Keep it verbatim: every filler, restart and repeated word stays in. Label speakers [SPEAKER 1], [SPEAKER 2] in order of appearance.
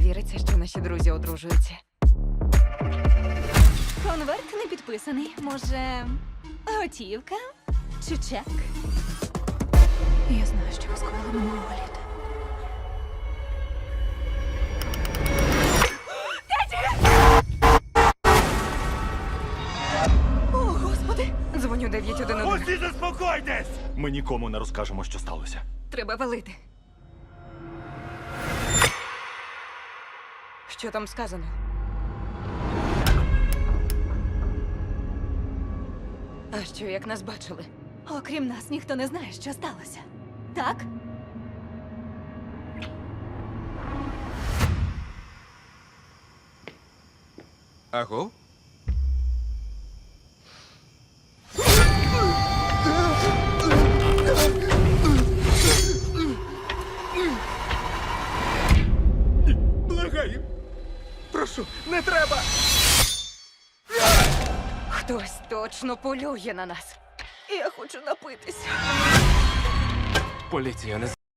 [SPEAKER 1] віриться, що наші друзі одружуються.
[SPEAKER 2] Конверт не підписаний. Може, готівка чи чек? Я знаю, що ви скоїли минулого літа. О, Господи!
[SPEAKER 1] Дзвоню дев'ять один один.
[SPEAKER 3] Усі заспокойтесь! Ми нікому не розкажемо, що сталося.
[SPEAKER 1] Треба валити. Що там сказано? А що, як нас бачили?
[SPEAKER 2] Окрім нас, ніхто не знає, що сталося. Так?
[SPEAKER 4] Аго? Благаю. Прошу, не треба.
[SPEAKER 1] Хтось точно полює на нас.
[SPEAKER 2] Я хочу напитися.
[SPEAKER 4] Поліція не